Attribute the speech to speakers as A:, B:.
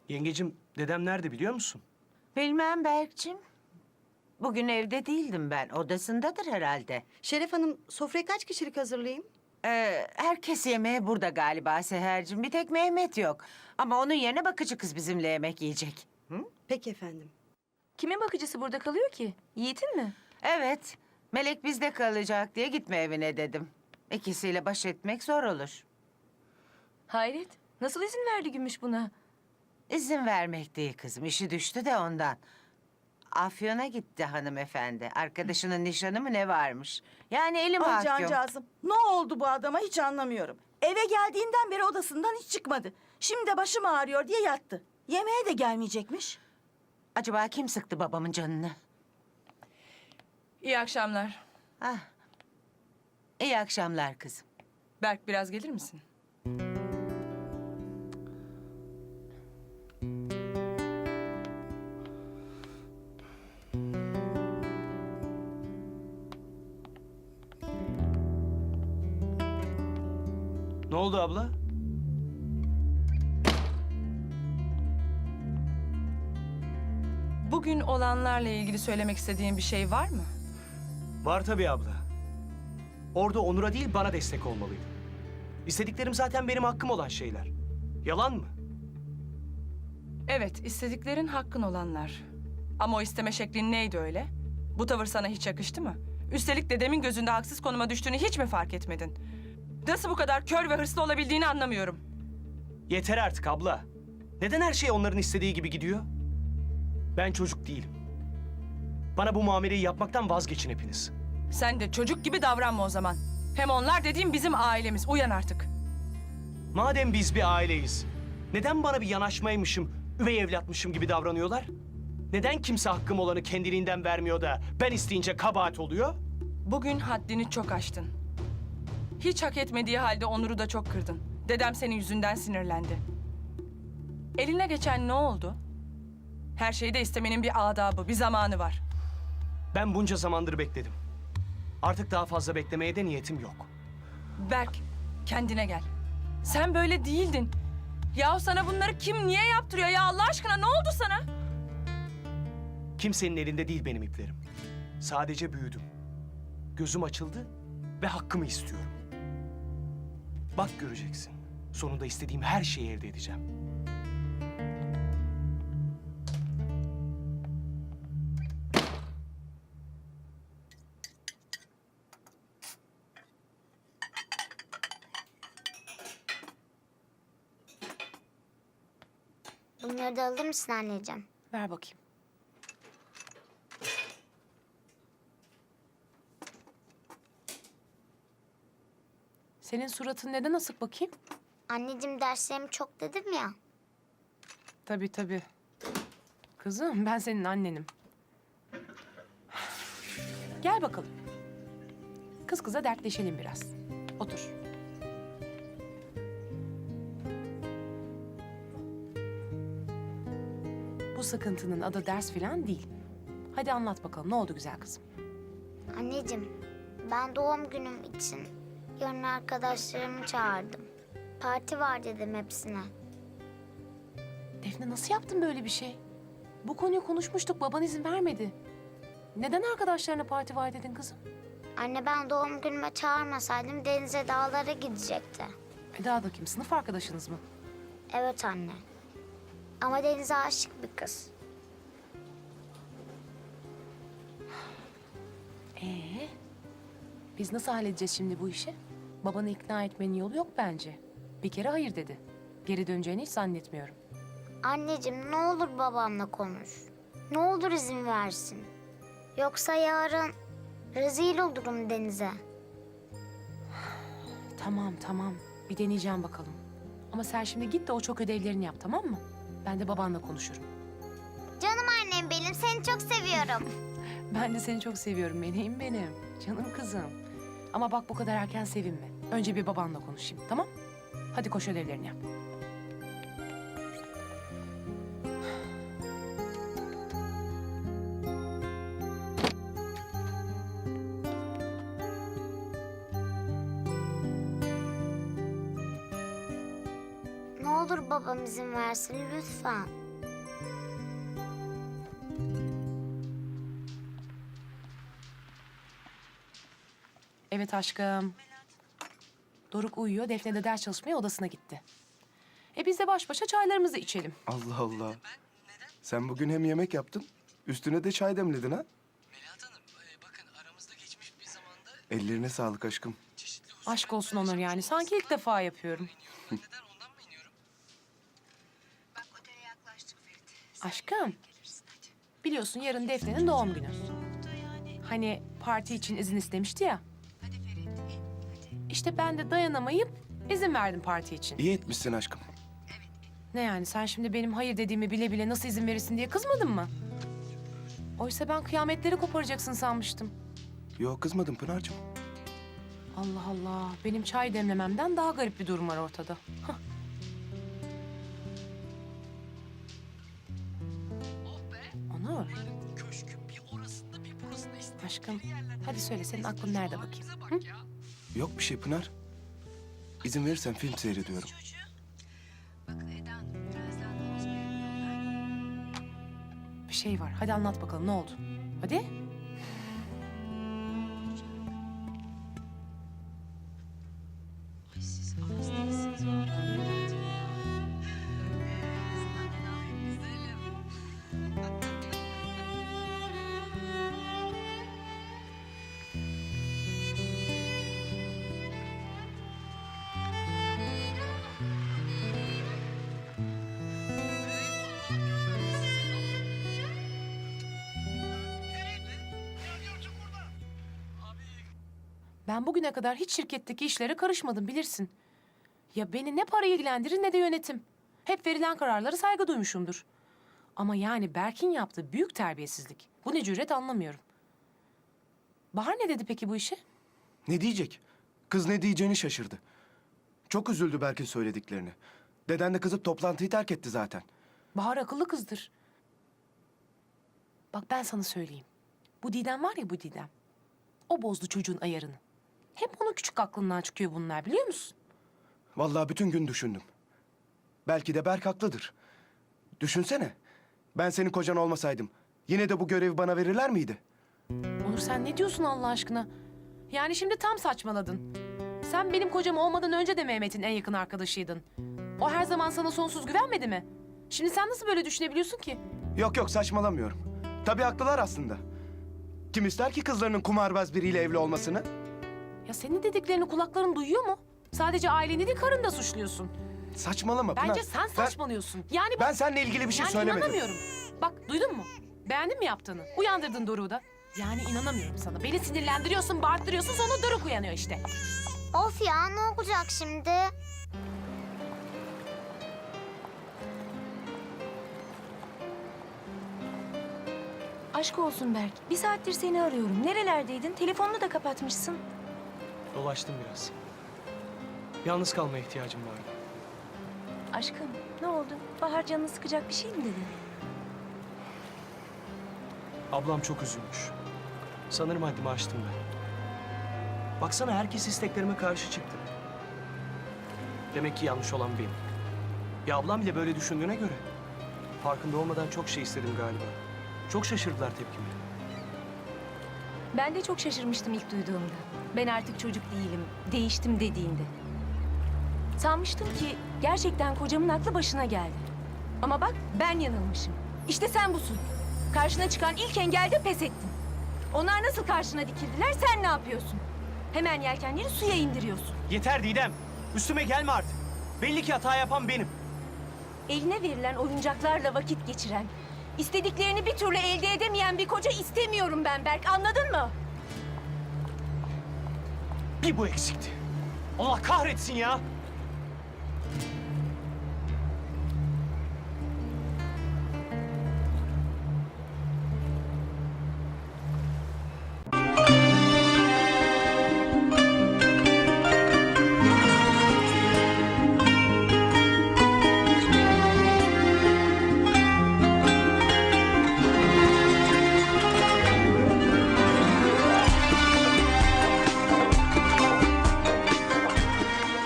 A: Yengecim, dedem nerede biliyor musun?
B: Bilmem Berk'cim. Bugün evde değildim ben. Odasındadır herhalde.
C: Şeref Hanım, sofrayı kaç kişilik hazırlayayım?
B: Herkes yemeğe burada galiba Seher'cim. Bir tek Mehmet yok. Ama onun yerine bakıcı kız bizimle yemek yiyecek.
C: Peki efendim.
D: Kimin bakıcısı burada kalıyor ki? Yiğit'in mi?
B: Evet. Melek bizde kalacak diye gitme evine dedim. İkisiyle baş etmek zor olur.
D: Hayret. Nasıl izin verdi Gümüş buna?
B: İzin vermek değil kızım. İşi düştü de ondan. Afyon'a gitti hanımefendi. Arkadaşının nişanı mı ne varmış? Yani elim
E: Ay
B: mahkum.
E: cancağızım, ne oldu bu adama hiç anlamıyorum. Eve geldiğinden beri odasından hiç çıkmadı. Şimdi de başım ağrıyor diye yattı. Yemeğe de gelmeyecekmiş.
B: Acaba kim sıktı babamın canını?
F: İyi akşamlar.
B: Ah. İyi akşamlar kızım.
F: Berk biraz gelir misin?
A: Ne oldu abla?
F: Bugün olanlarla ilgili söylemek istediğin bir şey var mı?
A: Var tabii abla. Orada Onur'a değil bana destek olmalıydı. İstediklerim zaten benim hakkım olan şeyler. Yalan mı?
F: Evet, istediklerin hakkın olanlar. Ama o isteme şeklin neydi öyle? Bu tavır sana hiç yakıştı mı? Üstelik dedemin gözünde haksız konuma düştüğünü hiç mi fark etmedin? Nasıl bu kadar kör ve hırslı olabildiğini anlamıyorum.
A: Yeter artık abla. Neden her şey onların istediği gibi gidiyor? Ben çocuk değilim. Bana bu muameleyi yapmaktan vazgeçin hepiniz.
F: Sen de çocuk gibi davranma o zaman. Hem onlar dediğim bizim ailemiz. Uyan artık.
A: Madem biz bir aileyiz, neden bana bir yanaşmaymışım, üvey evlatmışım gibi davranıyorlar? Neden kimse hakkım olanı kendiliğinden vermiyor da ben isteyince kabahat oluyor?
F: Bugün haddini çok aştın. Hiç hak etmediği halde Onur'u da çok kırdın. Dedem senin yüzünden sinirlendi. Eline geçen ne oldu? Her şeyi de istemenin bir adabı, bir zamanı var.
A: Ben bunca zamandır bekledim. Artık daha fazla beklemeye de niyetim yok.
F: Berk, kendine gel. Sen böyle değildin. Yahu sana bunları kim niye yaptırıyor ya Allah aşkına ne oldu sana?
A: Kimsenin elinde değil benim iplerim. Sadece büyüdüm. Gözüm açıldı ve hakkımı istiyorum. Bak göreceksin. Sonunda istediğim her şeyi elde edeceğim.
G: Bunları da alır mısın anneciğim?
D: Ver bakayım. Senin suratın neden asık bakayım?
G: Anneciğim derslerim çok dedim ya.
D: Tabii tabii. Kızım ben senin annenim. Gel bakalım. Kız kıza dertleşelim biraz. Otur. Bu sıkıntının adı ders falan değil. Hadi anlat bakalım ne oldu güzel kızım?
G: Anneciğim ben doğum günüm için yarın arkadaşlarımı çağırdım. Parti var dedim hepsine.
D: Defne nasıl yaptın böyle bir şey? Bu konuyu konuşmuştuk baban izin vermedi. Neden arkadaşlarına parti var dedin kızım?
G: Anne ben doğum günüme çağırmasaydım denize dağlara gidecekti.
D: Eda da kim? Sınıf arkadaşınız mı?
G: Evet anne. Ama denize aşık bir kız.
D: Biz nasıl halledeceğiz şimdi bu işi? Babanı ikna etmenin yolu yok bence. Bir kere hayır dedi. Geri döneceğini hiç zannetmiyorum.
G: Anneciğim ne olur babamla konuş. Ne olur izin versin. Yoksa yarın rezil olurum denize.
D: Tamam tamam. Bir deneyeceğim bakalım. Ama sen şimdi git de o çok ödevlerini yap tamam mı? Ben de babanla konuşurum.
G: Canım annem benim seni çok seviyorum.
D: Ben de seni çok seviyorum meleğim benim. Canım kızım. Ama bak bu kadar erken sevinme. Önce bir babanla konuşayım tamam? Hadi koş ödevlerini yap.
G: Ne olur olur babam izin versin lütfen.
D: Evet aşkım. Doruk uyuyor, Defne de ders çalışmaya odasına gitti. Biz de baş başa çaylarımızı içelim.
H: Allah Allah. Sen bugün hem yemek yaptın, üstüne de çay demledin ha?
I: Melahat Hanım, bakın aramızda geçmiş bir zamanda
H: Ellerine sağlık aşkım.
I: çeşitli hususlar
D: Aşk olsun Onur yani. Sanki ilk defa yapıyorum.
I: Neden ondan mı iniyorum?
D: Aşkım. Biliyorsun yarın Defne'nin doğum günü. Hani parti için izin istemişti ya. İşte ben de dayanamayıp izin verdim parti için.
H: İyi etmişsin aşkım.
D: Ne yani sen şimdi benim hayır dediğimi bile bile nasıl izin verirsin diye kızmadın mı? Oysa ben kıyametleri koparacaksın sanmıştım.
H: Yok kızmadım Pınar'cığım.
D: Allah Allah. Benim çay demlememden daha garip bir durum var ortada. Hah. Onur.
I: Köşkün bir orasında bir burasında işte.
D: Aşkım hadi söyle senin aklın nerede bakayım? Hı?
H: Yok bir şey Pınar. İzin verirsen film seyrediyorum.
D: Bir şey var. Hadi anlat bakalım ne oldu? Hadi. Ben bugüne kadar hiç şirketteki işlere karışmadım bilirsin. Ya beni ne para ilgilendirir ne de yönetim. Hep verilen kararlara saygı duymuşumdur. Ama yani Berk'in yaptığı büyük terbiyesizlik. Bu ne cüret anlamıyorum. Bahar ne dedi peki bu işe?
H: Ne diyecek? Kız ne diyeceğini şaşırdı. Çok üzüldü Berk'in söylediklerini. Deden de kızıp toplantıyı terk etti zaten.
D: Bahar akıllı kızdır. Bak ben sana söyleyeyim. Bu Didem var ya bu Didem. O bozdu çocuğun ayarını. Hep onun küçük aklından çıkıyor bunlar biliyor musun?
H: Vallahi bütün gün düşündüm. Belki de Berk haklıdır. Düşünsene. Ben senin kocan olmasaydım yine de bu görevi bana verirler miydi?
D: Onur sen ne diyorsun Allah aşkına? Yani şimdi tam saçmaladın. Sen benim kocam olmadan önce de Mehmet'in en yakın arkadaşıydın. O her zaman sana sonsuz güvenmedi mi? Şimdi sen nasıl böyle düşünebiliyorsun ki?
H: Yok yok saçmalamıyorum. Tabii haklılar aslında. Kim ister ki kızlarının kumarbaz biriyle evli olmasını?
D: Ya senin dediklerini kulakların duyuyor mu? Sadece aileni değil karını da suçluyorsun.
H: Saçmalama Pınar.
D: Bence sen saçmalıyorsun. Yani
H: Ben seninle ilgili bir şey
D: yani
H: söylemedim.
D: inanamıyorum. Bak duydun mu? Beğendin mi yaptığını? Uyandırdın Doruk'u da. Yani inanamıyorum sana. Beni sinirlendiriyorsun, bağırttırıyorsun sonra Doruk uyanıyor işte.
G: Of ya ne olacak şimdi?
J: Aşk olsun Berk. Bir saattir seni arıyorum. Nerelerdeydin? Telefonunu da kapatmışsın.
A: Dolaştım biraz. Yalnız kalmaya ihtiyacım vardı.
J: Aşkım ne oldu? Bahar canını sıkacak bir şey mi dedin?
A: Ablam çok üzülmüş. Sanırım haddimi aştım ben. Baksana herkes isteklerime karşı çıktı. Demek ki yanlış olan benim. Ya ablam bile böyle düşündüğüne göre. Farkında olmadan çok şey istedim galiba. Çok şaşırdılar tepkime.
J: Ben de çok şaşırmıştım ilk duyduğumda. Ben artık çocuk değilim, değiştim dediğinde. Sanmıştım ki gerçekten kocamın aklı başına geldi. Ama bak ben yanılmışım. İşte sen busun. Karşına çıkan ilk engelde pes ettin. Onlar nasıl karşına dikildiler sen ne yapıyorsun? Hemen yelkenleri suya indiriyorsun.
A: Yeter Didem. Üstüme gelme artık. Belli ki hata yapan benim.
J: Eline verilen oyuncaklarla vakit geçiren, istediklerini bir türlü elde edemeyen bir koca istemiyorum ben Berk, anladın mı?
A: Bir bu eksikti. Allah kahretsin ya.